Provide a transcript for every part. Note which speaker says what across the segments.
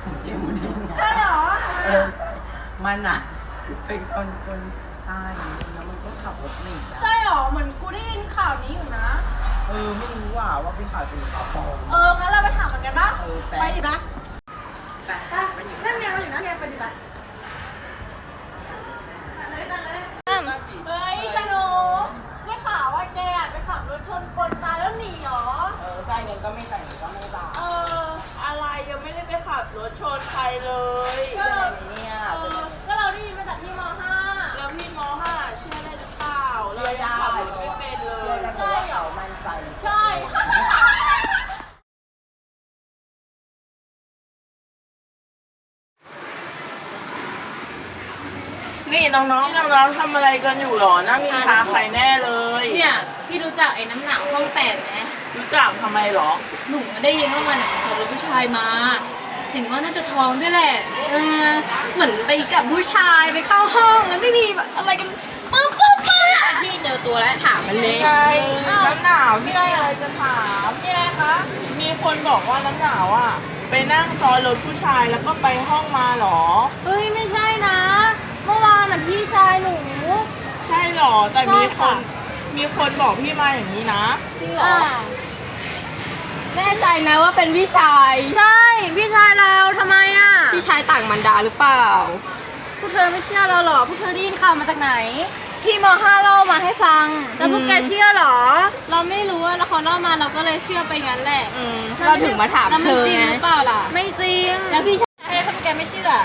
Speaker 1: เดี๋ยวมันเองนะ
Speaker 2: ใช่เหรอ
Speaker 1: เออมันอ่ะไปชนคนตายแล้วมันก็ขับรถหนี
Speaker 2: ใช่เหรอเหมือนกูได้ยินข่าวนี้อยู่นะ
Speaker 1: ไม่รู้ว่าเป็นข่าวจริงข่าวปลอม
Speaker 2: งั้นเราไปถามมันกันปะ
Speaker 1: แต่
Speaker 2: ไปดิปะ
Speaker 1: ไปอยู่
Speaker 2: นั่นไงเราอยู่นั่นไงไปดิปะเฮ้ยสนุกไม่ข่าวว่าแกไปขับรถชนคนตายแล้วหนีเหรอ
Speaker 1: ใช่เงินก็ไม่ใส่ก็ไม่ตาย
Speaker 3: อะไรยังไม่ได้ไปขับรถชนใครเลย
Speaker 2: ก็เรา
Speaker 1: เนี่ย
Speaker 2: ก็เราได้ยินมาจากพี่ม .5
Speaker 3: แล้วพี่มห้าเชื่อได้หรือเปล่า
Speaker 1: เชื่อได้
Speaker 3: ขับรถไม่เป็นเล
Speaker 1: เชื่อย ได้เพราะว่าเขามั่นใจ
Speaker 2: ใช่
Speaker 3: นี่น้องๆทำอะไรกันอยู่หรอนั่งนินทาใครแน่เลย
Speaker 4: เนี่ยพี่รู้จักไอ้น้ำหนักห้อง8ไหม
Speaker 3: รู้จักทำไมหรอ
Speaker 4: หนูได้ยินว่ามันไปสอบรถผู้ชายมา เห็นว่าน่าจะท้องด้วยแหละเหมือนไปกับผู้ชายไปเข้าห้องแล้วไม่มีแบบอะไรกันปึ๊บพี่เจอตัวแล้วถามมันเลย
Speaker 3: ไงน้ำหนาวพี่ได้อะไรจะถาม
Speaker 2: นี่อะไรคะ
Speaker 3: มีคนบอกว่าน้ำหนาวอ่ะไปนั่งซ้อนรถผู้ชายแล้วก็ไปห้องมาหรอ
Speaker 2: เฮ้ยไม่ใช่นะ เมื่อวานน่ะพี่ชายหนู
Speaker 3: ใช่หรอแต่มีคนบอกพี่มาอย่างนี้นะ
Speaker 2: จริงเหรอ
Speaker 4: แน่ใจนะว่าเป็นพี่ชาย
Speaker 2: ใช่พี่ชายเราทำไมอ่ะ
Speaker 4: พี่ชายต่างมันดาหรือเปล่า
Speaker 2: พวกเธอไม่เชื่อเราหรอพวกเธอได้ยินข่าวมาจากไหน
Speaker 4: ที่ม5เล่ามาให้ฟัง
Speaker 2: แล้วพวกแกเชื่อหรอ
Speaker 4: เราไม่รู้ว่าแล้วเขาเล่ามาเราก็เลยเชื่อไปงั้นแหละ
Speaker 2: เรา
Speaker 4: เรา
Speaker 2: ถึ
Speaker 4: ถึ
Speaker 2: ง
Speaker 4: ง
Speaker 2: มา
Speaker 4: มา
Speaker 2: ถา
Speaker 4: ถาม ม
Speaker 2: เธ
Speaker 4: เธ
Speaker 2: อ
Speaker 4: อ
Speaker 2: ไง
Speaker 4: จริงหรือเปล่าล่ะ
Speaker 2: ไม่จริง
Speaker 4: แล้วพี่
Speaker 2: ให้พวกแกไม่เชื่อ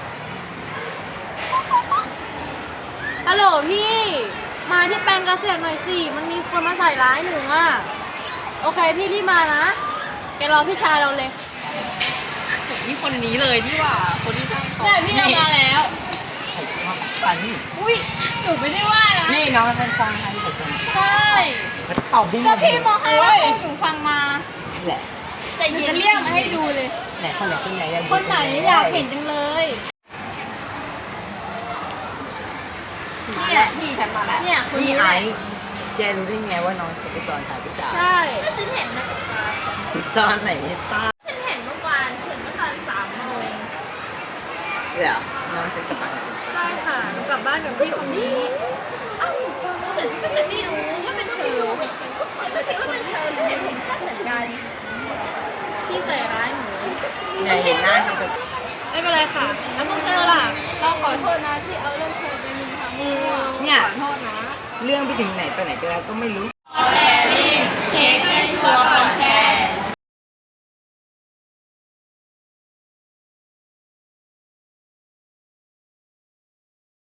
Speaker 2: ฮัลโหลพี่ มาที่แปลงเกษตรหน่อยสิมันมีคนมาใส่ร้ายหนูอ่ะโอเคพี่รีบมานะแกรอพี่ชายเราเลย
Speaker 4: นี่คนนี้เลยนี่หว่า คนที่ตั้งเขา
Speaker 2: ใช่พี่เรามาแล้ว
Speaker 1: ฉัน
Speaker 4: อุ้ยหนูไม่ได้ว่านะ
Speaker 1: นี่น้องฉันฟังให้แต่ฉัน
Speaker 4: ใช่
Speaker 1: ตอบที่
Speaker 4: ก็พี่ม5แล้วหนูฟังมา
Speaker 1: แหละ
Speaker 4: แต่เย็นเรียกมาให้ดูเลย
Speaker 1: ไหนคนไหนคนไหน
Speaker 2: คนไหนอยากเห็นจังเลย
Speaker 4: เนี่ยพี่ฉันมาแล้ว
Speaker 2: เนี่ยคน
Speaker 1: นี่
Speaker 2: นี้
Speaker 1: ไอ้
Speaker 2: แหละ
Speaker 1: แกรู้ได้ไงว่าน้องฉันไปสอนถ่ายผู้ชาย
Speaker 2: ใช่
Speaker 4: ก็ฉันเห็นนะ
Speaker 1: ตอนไหนไม่ทราบ
Speaker 4: ฉันเห็นเมื่อวานเห็นเมื่อตอน3 โมง
Speaker 1: เหรอน้องฉันกลับบ้าน
Speaker 2: ใช่ค่ะหนูกลับบ้านกับพี่คนนี้
Speaker 4: อ้าวฉันไม่รู้ว่าเป็นเธอฉันก็คิดว่าเป็นเธอเลยเห็นชัดเหมือนกัน
Speaker 2: พี่ใส่ร้ายหนู
Speaker 1: ไงเห็นหน้าฉันจะ
Speaker 2: ไม่เป็นไรค่ะ แล้วพวกเธอล่ะ
Speaker 4: เราขอโทษนะที่เอาเรื่องเธอไปนินทา
Speaker 1: เนี่ย
Speaker 2: ขอโทษนะ
Speaker 1: เรื่องไปถึงไหนตอนไหนก็แล้วก็ไม่รู้